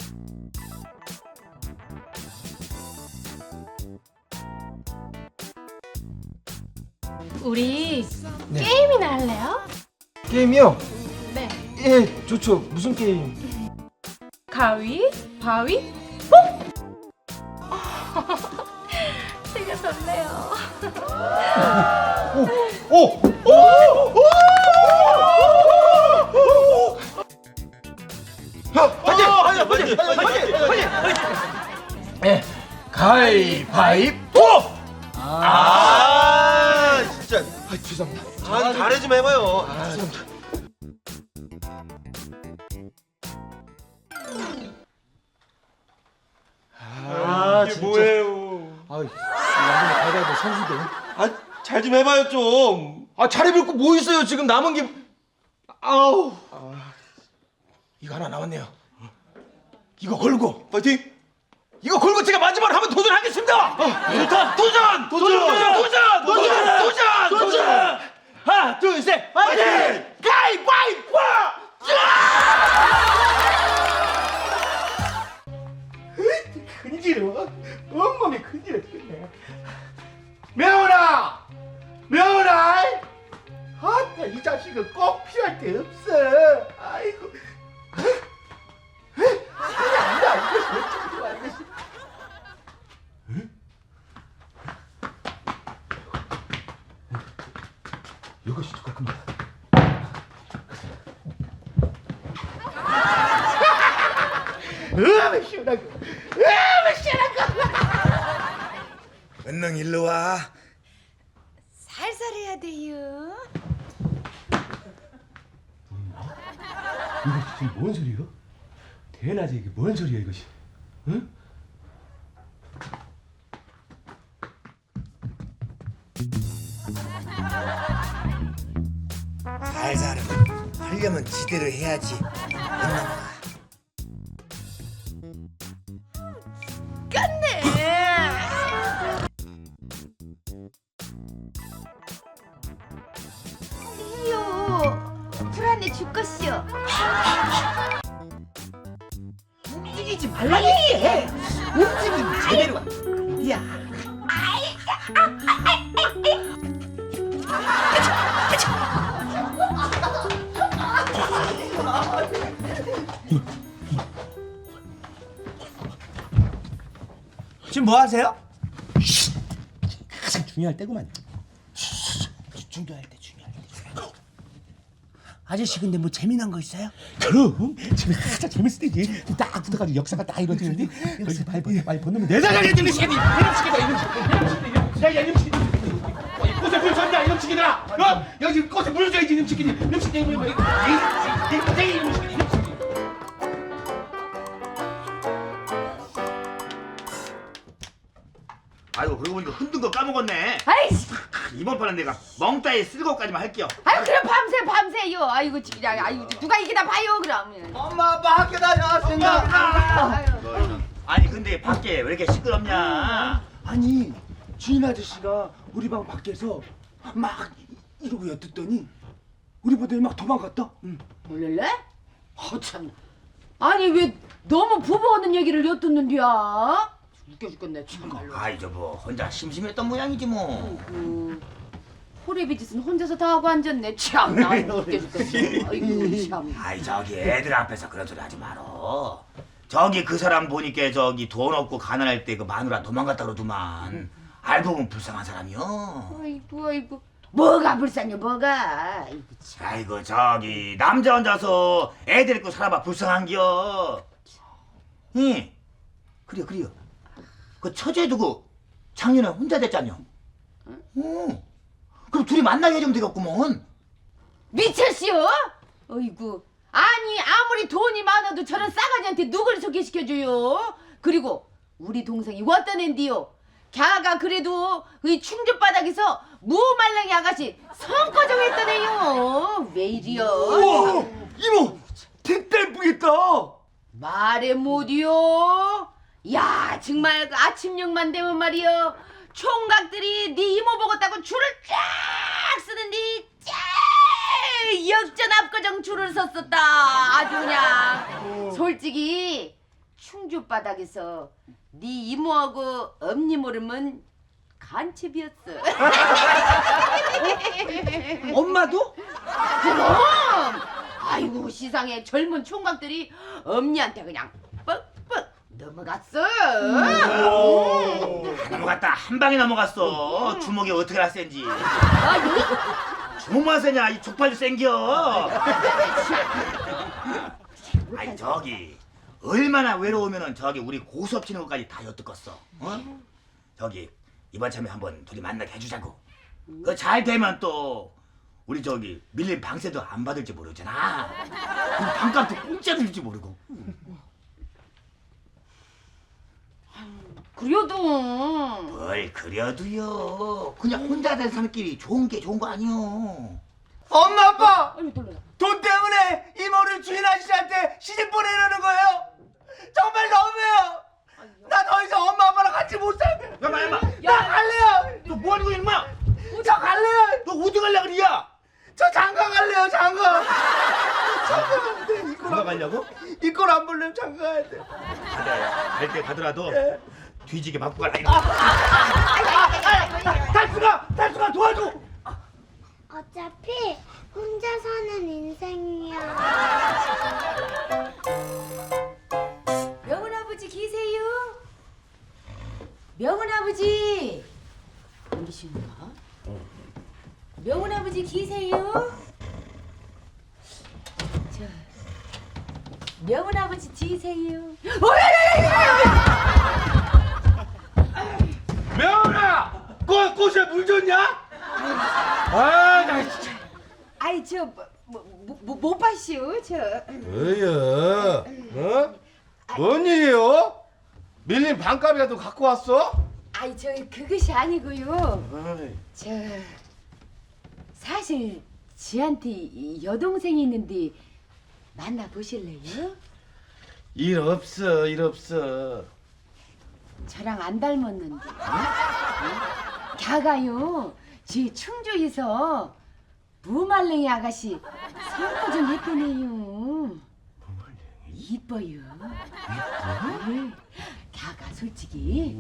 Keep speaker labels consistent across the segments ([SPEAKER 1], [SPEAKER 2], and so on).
[SPEAKER 1] 우리
[SPEAKER 2] 네.
[SPEAKER 1] 게임이나 할래요?
[SPEAKER 2] 게임이요?
[SPEAKER 1] 네.
[SPEAKER 2] 예, 좋죠. 무슨 게임?
[SPEAKER 1] 가위, 바위, 뽕! 되게 좋네요.
[SPEAKER 2] 오! 오! 오! 예, 가위바위보!
[SPEAKER 3] 진짜.
[SPEAKER 2] 죄송합니다.
[SPEAKER 3] 잘해 좀 해봐요.
[SPEAKER 2] 죄송합니다.
[SPEAKER 3] 이게
[SPEAKER 2] 진짜.
[SPEAKER 3] 뭐예요?
[SPEAKER 2] 완전히 가위바위보 선수들.
[SPEAKER 3] 잘 좀 해봐요 좀.
[SPEAKER 2] 잘해볼 거 뭐 있어요? 지금 남은 게. 아우. 이거 하나 남았네요. 이거 걸고.
[SPEAKER 3] 파이팅.
[SPEAKER 2] 이거 걸고 제가 마지막으로 한번 도전하겠습니다. 좋다. 도전. 도전. 하나, 둘, 셋. 파이팅! 가위바위보! 큰일이로 온몸이 큰일이 되겠네. 명훈아, 아따 이 자식은 꼭 필요할 데 없어. 아이고. 아니다 이것이 어떻게 좋아 이것이. 이것이 똑같구만. 시원하고.
[SPEAKER 4] 은능 일로 와.
[SPEAKER 5] 살살 해야 돼요.
[SPEAKER 3] 이거 지금 뭔 소리요? 대낮에 이게 뭔 소리야 이것이? 응?
[SPEAKER 4] 살살은 하려면 지대로 해야지. 은능아.
[SPEAKER 5] 해요. 불안해 죽겠어.
[SPEAKER 4] 움직이지 말라니. 움직이면 제대로 가. 야. 지금 뭐 하세요?
[SPEAKER 3] 가장 중요할 때구만.
[SPEAKER 4] 중요할 때. 아저씨 근데 뭐 재미난 거 있어요?
[SPEAKER 3] 그럼 지금 가장 재밌을 때지. 딱 붙어가지고 역사가 딱 이루어지는데 여기서 말 벗으면 내 자장에 있는 새끼 이놈 새끼다 야야 이놈 새끼 꽃에 물 줬냐 이놈 새끼들아. 여기 꽃에 물 줘야지 이놈 새끼 이놈 새끼 이놈 새끼 이놈 새끼.
[SPEAKER 6] 아이고 그러고 보니까 흔든 거 까먹었네.
[SPEAKER 5] 아이씨.
[SPEAKER 6] 이번 판은 내가 멍따에 쓸고까지만 할게요.
[SPEAKER 5] 아유 그럼 밤새요. 아이고 진짜. 아이고 누가 이기나 봐요 그럼.
[SPEAKER 4] 엄마 아빠 학교 다녀왔습니다.
[SPEAKER 5] 아유.
[SPEAKER 6] 아니 근데 밖에 왜 이렇게 시끄럽냐?
[SPEAKER 3] 아니 주인 아저씨가 우리 방 밖에서 막 이러고 엿듣더니 우리 보더니 막 도망갔다.
[SPEAKER 5] 몰래? 참. 아니 왜 너무 부부 하는 얘기를 엿듣는디야? 웃겨 죽겠네 참말로.
[SPEAKER 6] 아이 저 뭐 혼자 심심했던 모양이지 뭐.
[SPEAKER 5] 호래비 짓은 혼자서 다 하고 앉았네. 참나 웃겨 죽겠어. 아이고 참.
[SPEAKER 6] 아이 저기 애들 앞에서 그런 소리 하지 말어. 저기 그 사람 보니까 저기 돈 없고 가난할 때 그 마누라 도망갔다 그러더만. 알고 보면 불쌍한 사람이요.
[SPEAKER 5] 아이고. 뭐가 불쌍해 뭐가. 아이고 참.
[SPEAKER 6] 아이고 저기 남자 혼자서 애들 있고 살아봐 불쌍한겨. 응. 그래요. 그 처제 두고 작년에 혼자 됐잖여. 응. 그럼 둘이 만나게 해주면 되겠구먼.
[SPEAKER 5] 미쳤시오? 어이구. 아니 아무리 돈이 많아도 저런 싸가지한테 누굴 소개시켜줘요? 그리고 우리 동생이 어떤 앤디요? 걔가 그래도 이 충주바닥에서 무말랭이 아가씨 성과정 했던 애요. 왜 이리요?
[SPEAKER 3] 우와 이모 택달 뿌겠다.
[SPEAKER 5] 말해 못이요? 야 정말 그 아침녘만 되면 말이요 총각들이 네 이모 보겠다고 줄을 쫙 쓰는데 역전 압구정 줄을 섰었다. 아주 그냥 솔직히 충주 바닥에서 네 이모하고 엄니 모르면 간첩이었어.
[SPEAKER 4] 엄마도?
[SPEAKER 5] 그럼. 아이고 세상에 젊은 총각들이 엄니한테 그냥 뻑뻑 넘어갔어.
[SPEAKER 6] 넘어갔다 한 방에 넘어갔어. 주먹이 어떻게 나 센지.
[SPEAKER 5] 아니
[SPEAKER 6] 주먹만 세냐 이 족발도 생겨. 아니 저기 얼마나 외로우면은 저기 우리 고수업 치는 것까지 다 엿듣겠어. 어? 저기 이번 참에 한번 둘이 만나게 해주자고. 그 잘 되면 또 우리 저기 밀린 방세도 안 받을지 모르잖아. 그리고 방값도 공짜로 줄지 모르고.
[SPEAKER 5] 그래도
[SPEAKER 6] 뭘 그려도요. 그냥 혼자 된 사람끼리 좋은 게 좋은 거 아니요.
[SPEAKER 4] 엄마 아빠
[SPEAKER 5] 아니 놀라.
[SPEAKER 4] 돈 때문에 이모를 주인 아저씨한테 시집 보내려는 거예요? 정말 너무해요. 나 더 이상 엄마 아빠랑 같이 못 살게.
[SPEAKER 6] 야마.
[SPEAKER 4] 나 갈래요.
[SPEAKER 6] 너 뭐 하는 거야 인마?
[SPEAKER 4] 저 갈래요.
[SPEAKER 6] 너 어디 갈래 그리야?
[SPEAKER 4] 저 장가 갈래요. 장가. 장가 가야 돼.
[SPEAKER 6] 누가 가려고?
[SPEAKER 4] 이걸 안 보려면 장가 가야 돼.
[SPEAKER 6] 갈때 가더라도
[SPEAKER 4] 예.
[SPEAKER 6] 뒤지게 맞고 갈라 이거.
[SPEAKER 4] 달수가 도와줘.
[SPEAKER 7] 어차피 혼자 사는 인생이야.
[SPEAKER 5] 명은아버지 계세요? 명은아버지 어디신가? 명은아버지 계세요? 저 명은아버지 계세요?
[SPEAKER 3] 명훈아, 꽃에 물 줬냐? 아, 나 진짜.
[SPEAKER 5] 아이 저못 봤시오 저.
[SPEAKER 3] 뭐야? 어? 뭔 일이에요? 밀린 반값이라도 갖고 왔어?
[SPEAKER 5] 아이 저 그것이 아니고요. 저 사실 지한테 여동생이 있는데 만나 보실래요?
[SPEAKER 3] 일 없어.
[SPEAKER 5] 저랑 안 닮았는데. 걔가요 제 충주에서 무말랭이 아가씨 선거 좀 했더네요. 이뻐요. 네. 걔가 솔직히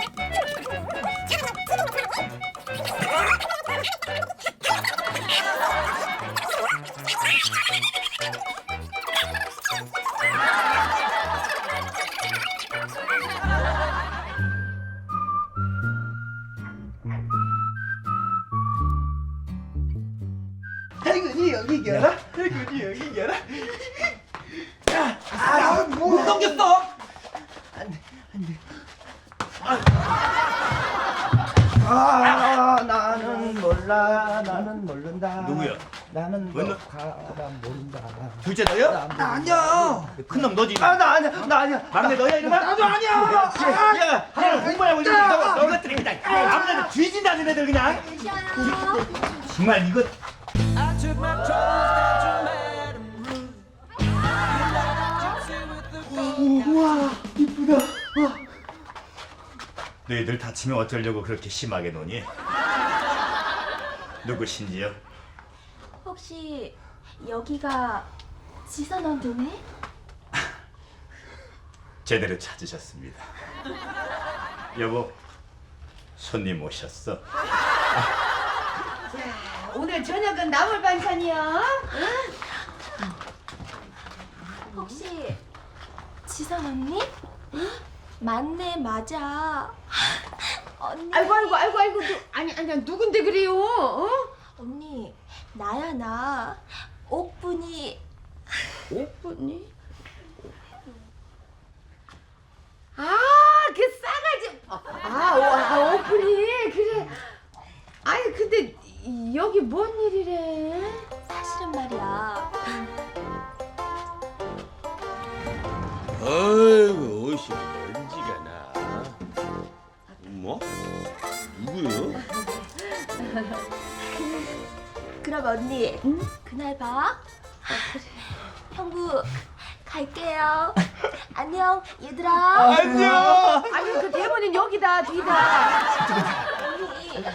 [SPEAKER 4] 태근이 여기 계라. 태근이 여기 계라. 못 넘겼어. 나는 몰라. 나는 모른다.
[SPEAKER 6] 누구야?
[SPEAKER 4] 나는
[SPEAKER 6] 너?
[SPEAKER 4] 가라 모른다.
[SPEAKER 6] 둘째 너야?
[SPEAKER 4] 나 아니야.
[SPEAKER 6] 큰놈 너지.
[SPEAKER 4] 나 아니야.
[SPEAKER 6] 막내 너야 이놈아?
[SPEAKER 4] 나도 아니야.
[SPEAKER 6] 야, 공부하고 있는 너것들이 그냥 아무데나 뒤진다는 애들 그냥. 정말 이거.
[SPEAKER 4] 우와 이쁘다.
[SPEAKER 6] 너희들 다치면 어쩌려고 그렇게 심하게 노니? 누구신지요?
[SPEAKER 7] 혹시 여기가 지선원 동네?
[SPEAKER 6] 제대로 찾으셨습니다. 여보, 손님 오셨어.
[SPEAKER 5] 오늘 저녁은 나물 반찬이야.
[SPEAKER 7] 혹시 지선 언니? 맞네 맞아. 언니.
[SPEAKER 5] 아이고 아니 누군데 그래요? 어?
[SPEAKER 7] 언니 나야 나. 옥분이.
[SPEAKER 5] 옥분이? 그 싸가지. 옥분이 그래. 아니 근데 여기 뭔 일이래?
[SPEAKER 7] 사실은 말이야.
[SPEAKER 3] 아이고, 옷이 먼지가 나. 뭐? 누구요?
[SPEAKER 7] 그럼 언니 그날 봐. 형부 갈게요. 안녕 얘들아.
[SPEAKER 4] 안녕.
[SPEAKER 5] 아니 그 대본은 여기다 뒤다.
[SPEAKER 7] 언니.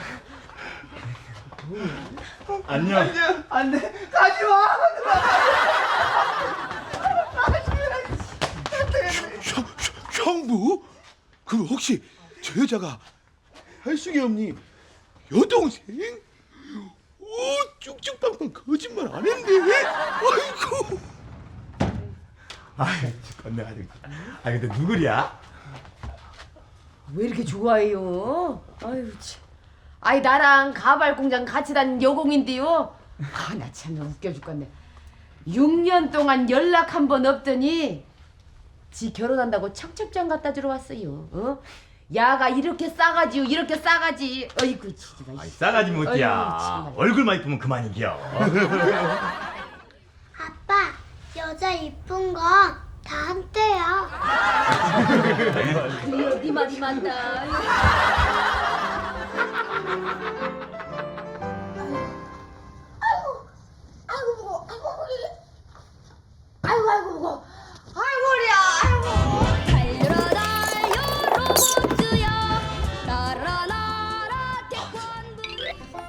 [SPEAKER 6] 안녕.
[SPEAKER 4] 안돼. 가지 마.
[SPEAKER 3] 형, 형부? 그럼 혹시 저 여자가 할숙이 언니 여동생? 오, 쭉쭉빵빵 거짓말 안 했네. 아이고.
[SPEAKER 6] 아이 건네 아주. 아 근데 누구랴?
[SPEAKER 5] 왜 이렇게 좋아해요? 아유 참. 아이 나랑 가발 공장 같이 다닌 여공인데요. 아 나 참 웃겨 죽겠네. 6년 동안 연락 한 번 없더니 지 결혼한다고 청첩장 갖다 주러 왔어요. 어? 야가 이렇게 싸가지요, 이렇게 싸가지. 어이구 지지가.
[SPEAKER 6] 아이 싸가지
[SPEAKER 5] 어이구,
[SPEAKER 6] 못이야.
[SPEAKER 5] 정말.
[SPEAKER 6] 얼굴만 이쁘면 그만이겨.
[SPEAKER 7] 아빠, 여자 이쁜 건 다 한때야.
[SPEAKER 5] 그래요, 네 말이 맞다.
[SPEAKER 7] 아이고 무거워. 아이고 무거워. 아이고 허리야. 아이고. 달려라 달려 로봇야. 날아 날아 태권도.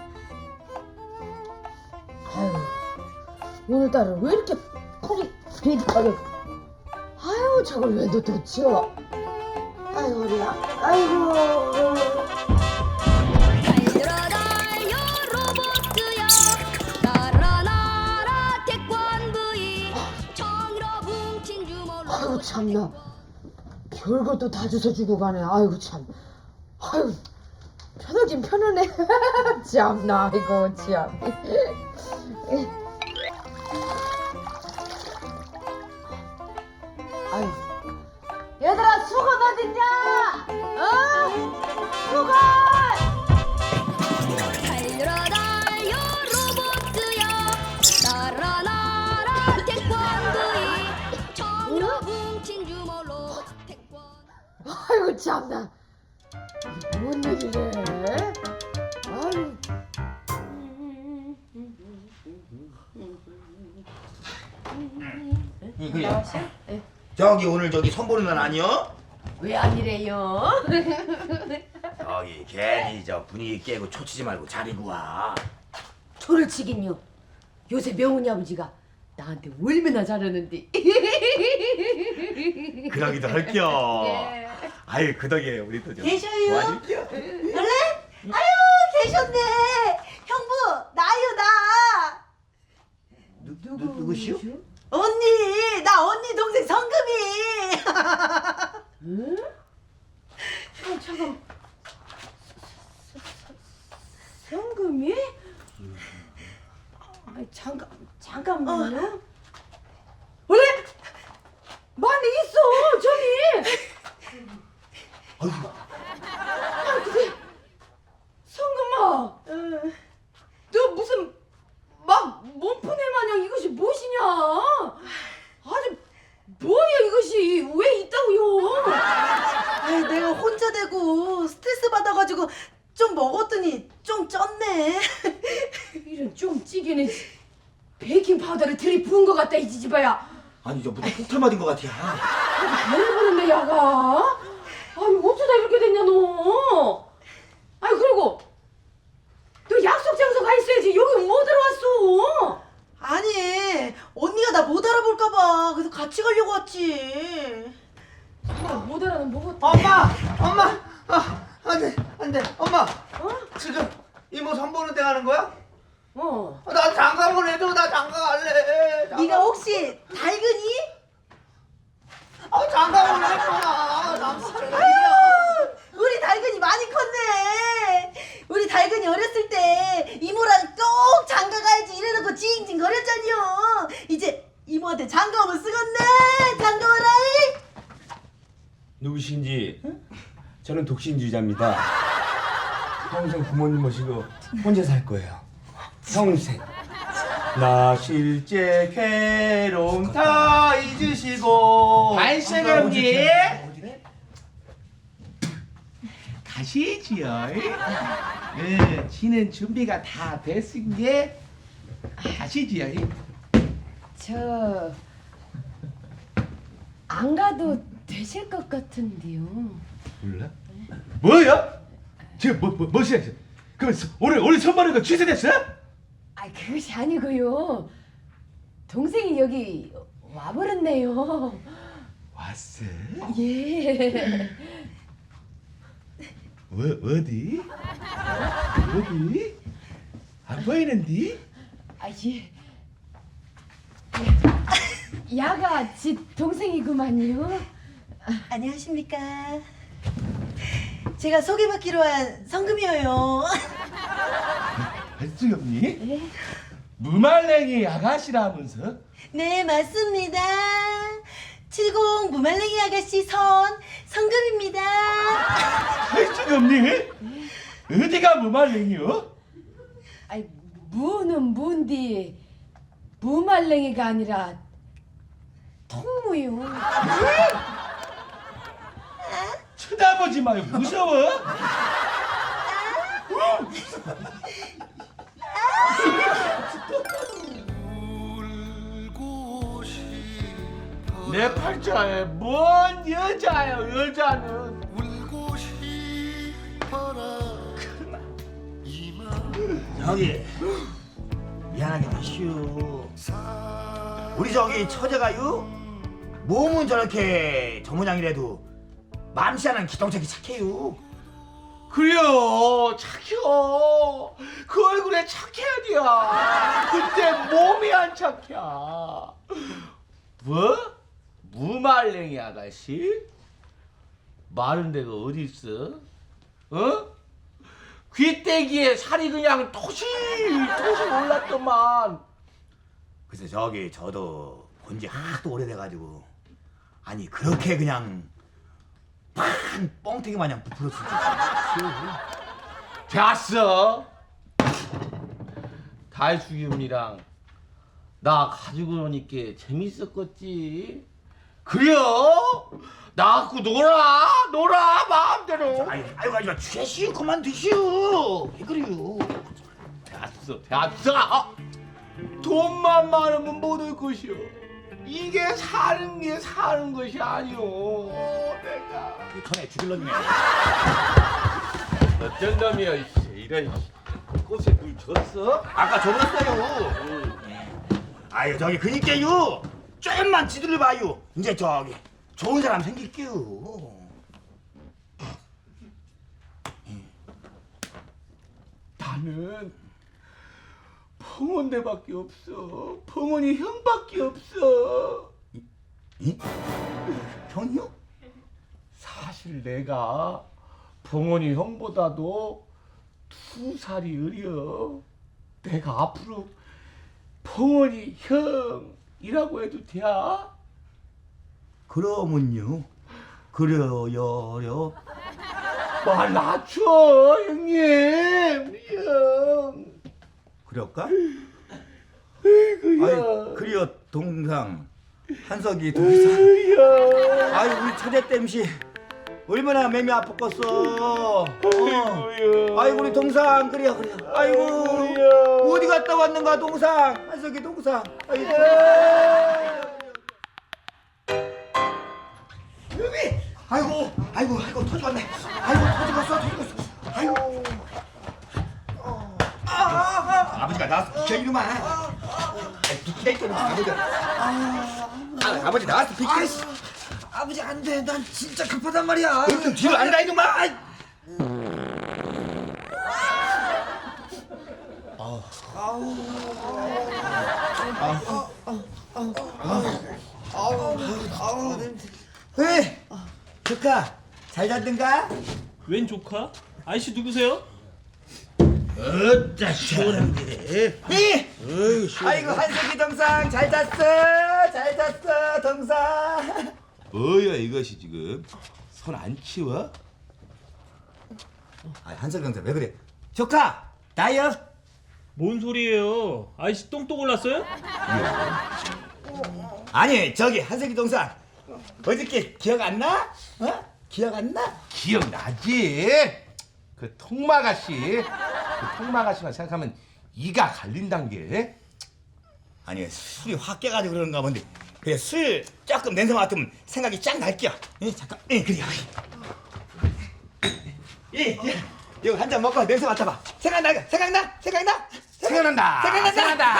[SPEAKER 5] 아유, 오늘따라 왜 이렇게 털이 비릿하게. 아유, 저걸 왜 놓치어?
[SPEAKER 7] 아이고 허리야. 아이고. 달려라 달려 로봇야. 날아 날아 태권브이. 정이라 뭉친 주먹로.
[SPEAKER 5] 아이고 참나. 별것도 다 주워주고 가네. 아이고 참. 아이고 편하긴 편하네. 참나 이거 참. 아유. 얘들아 수건 어딨냐? 어? 수건!
[SPEAKER 7] 달려라 달려 로봇야. 날아 날아 태권브이. 정이라 뭉친 주먹로 태권.
[SPEAKER 5] 아이고 참나. 이게 뭔 일이래? 아유.
[SPEAKER 6] 저기 오늘 저기 선보는 날 아니여?
[SPEAKER 5] 왜 아니래요?
[SPEAKER 6] 저기 괜히 저 분위기 깨고 초치지 말고 자리고 와.
[SPEAKER 5] 초를 치긴요. 요새 명훈이 아버지가 나한테 얼마나 잘하는데.
[SPEAKER 6] 그러기도 할겨.
[SPEAKER 5] 예.
[SPEAKER 6] 아유 그 덕에 우리 또 좀
[SPEAKER 8] 계셔요?
[SPEAKER 6] 도와줄게요.
[SPEAKER 8] 아유 계셨네. 형부 나요 나.
[SPEAKER 6] 누구시오?
[SPEAKER 8] 언니 나 언니 동생 성금이.
[SPEAKER 5] 응? 잠깐. 성금이? 아니 잠깐만요. 원래 많이 있어 저기. 아 근데 성금아, 너 무슨 막 몸푸네 마냥 이것이 무엇이냐? 아주 뭐야 이것이 왜 있다고요?
[SPEAKER 8] 아유 내가 혼자 되고 스트레스 받아가지고 좀 먹었더니 좀 쪘네.
[SPEAKER 5] 이런 좀 찌개는 베이킹 파우더를 들이부은 것 같다 이 지지바야.
[SPEAKER 6] 아니 저 무슨 폭탄 맞은 것 같아.
[SPEAKER 5] 배를 부른데 야가. 아니 어쩌다 이렇게 됐냐 너. 아니 그리고 너 약속 장소 가 있어야지 여기 뭐 들어왔어?
[SPEAKER 8] 아니 언니가 나 못 알아볼까봐 그래서 같이 가려고 왔지.
[SPEAKER 5] 못 알아는 뭐고?
[SPEAKER 4] 엄마, 안돼, 엄마. 지금 이모 선보는 데 가는 거야? 나 장가 보내줘, 나 장가 갈래.
[SPEAKER 8] 네가 혹시 달근이?
[SPEAKER 4] 장가 보내줘, 나 장가 갈래.
[SPEAKER 8] 우리 달근이 많이 컸네. 우리 달근이 어렸을 때 이모랑 꼭 장가 가야지 이래놓고 징징 거렸잖여. 이제 이모한테 장가 오면 쓰겄네. 장가 오라이.
[SPEAKER 3] 누구신지? 저는 독신주의자입니다. 평생 부모님 모시고 혼자 살 거예요. 평생. 나 실제 괴로움 다 잊으시고
[SPEAKER 4] 반생합니 가시지요. 예, 지는 준비가 다 됐은 게 가시지요.
[SPEAKER 5] 저 안 가도 되실 것 같은데요.
[SPEAKER 3] 몰라? 뭐야? 지금 뭐시야? 그럼 오늘 선발한 거 취소됐어?
[SPEAKER 5] 아 그것이 아니고요. 동생이 여기 와버렸네요.
[SPEAKER 3] 왔어?
[SPEAKER 5] 예.
[SPEAKER 3] 어디? 어디? 안 보이는디?
[SPEAKER 5] 아, 예. 야가 지 동생이구만요.
[SPEAKER 8] 안녕하십니까. 제가 소개받기로 한 성금이에요.
[SPEAKER 3] 할 수 없니? 무말랭이 아가씨라면서?
[SPEAKER 8] 네, 맞습니다. 70 무말랭이 아가씨 성금입니다.
[SPEAKER 3] 할 수가 없니? 어디가 무말랭이요?
[SPEAKER 5] 아이, 무는 무인데 무말랭이가 아니라 통무요.
[SPEAKER 3] 쳐다보지 마요. 무서워? 내 팔자에 뭔 여자예요, 여자는.
[SPEAKER 6] 저기 미안하게 마시오. 우리 저기 처제가요 몸은 저렇게 저 모양이라도 맘씨하는 기똥차게 착해요.
[SPEAKER 2] 그래요, 착해요. 그 얼굴에 착해야 돼요. 근데 몸이 안 착해. 뭐? 무말랭이 아가씨? 마른 데가 어디 있어? 어? 귀때기에 살이 그냥 토실토실 올랐더만.
[SPEAKER 6] 그래서 저기 저도 본지 하도 오래돼가지고 아니 그렇게 그냥 pan 뻥튀기 마냥 부풀었을 줄.
[SPEAKER 2] 됐어. 달수기음이랑 나 가지고 노니까 재밌었겠지. 그래요? 나 갖고 놀아 마음대로.
[SPEAKER 6] 아이고 하지마 취하시오. 그만 드시오. 왜 그래요?
[SPEAKER 2] 됐어. 돈만 많으면 못 올 것이오. 이게 사는 게 사는 것이 아니오. 내가
[SPEAKER 6] 전에 죽일 놈이네.
[SPEAKER 2] 어쩐 놈이야 이런 꽃에 물 줬어?
[SPEAKER 6] 아까 줘봤어요. 아유 저기 그니까요 좀만 지도를 봐요. 이제 저기 좋은 사람 생길게요.
[SPEAKER 2] 나는 펑원대밖에 없어. 펑원이 형밖에 없어.
[SPEAKER 6] 이? 형이요?
[SPEAKER 2] 사실 내가 펑원이 형보다도 2살이 어려. 내가 앞으로 펑원이 형이라고 해도 돼?
[SPEAKER 6] 그러면요. 그래요.
[SPEAKER 2] 말 낮춰 형님. 형.
[SPEAKER 6] 그럴까?
[SPEAKER 2] 아이고야.
[SPEAKER 6] 아이 그래요 동상 한석이 동상.
[SPEAKER 2] 형.
[SPEAKER 6] 아이 우리 처제 땜시 얼마나 맴이 아팠겠어.
[SPEAKER 2] 아이고야.
[SPEAKER 6] 아이고 우리 동상 그래요. 아이고
[SPEAKER 2] 아이고야.
[SPEAKER 6] 어디 갔다 왔는가 동상. 한석이 동상. 아이고. 아이고 터져갔네. 아이고 터져갔어. 아이고. 아버지가 나왔어. 비켜 이놈아. 비켜 이놈아. 아버지 나왔어. 비켜.
[SPEAKER 4] 아버지 안 돼. 난 진짜 급하단 말이야.
[SPEAKER 6] 좀 뒤로 앉아 이놈아. 왜? 조카 잘 잤든가?
[SPEAKER 9] 웬 조카? 아저씨 누구세요?
[SPEAKER 3] 어따 시원한데.
[SPEAKER 6] 아이고 한석이 동상 잘 잤어. 잘 잤어 동상.
[SPEAKER 3] 뭐야 이것이 지금? 손 안 치워?
[SPEAKER 6] 아 한석이 동상 왜 그래? 조카 나요.
[SPEAKER 9] 뭔 소리예요? 아저씨 똥똥 올랐어요?
[SPEAKER 6] 아니 저기 한석이 동상 어저께 기억 안 나? 어? 기억 안 나?
[SPEAKER 3] 기억나지? 그 통마가씨. 그 통마가씨만 생각하면 이가 갈린단 게.
[SPEAKER 6] 아니 술이 확 깨가지고 그런가 본데 그래 술 조금 냄새 맡으면 생각이 쫙 날게요. 잠깐 그래요. 이거 한 잔 먹고 냄새 맡아봐. 생각난다.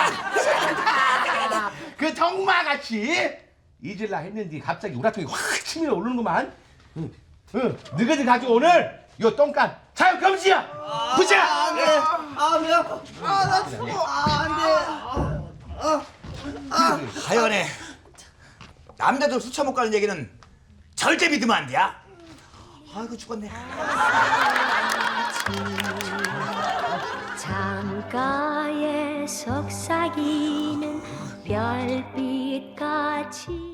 [SPEAKER 3] 그 통마가씨 잊을라 했는데 갑자기 우라통이 확 치밀어 오르는구만. 응, 너희들 가지고 오늘 요 똥간 자유 금지야. 부자.
[SPEAKER 4] 안돼. 아 미안. 아나 죽어. 안돼.
[SPEAKER 6] 하여간에 남자들 술 처먹고 가는 얘기는 절대 믿으면 안 돼야. 아이고 죽었네.
[SPEAKER 7] 창가에 속삭이는 별빛같이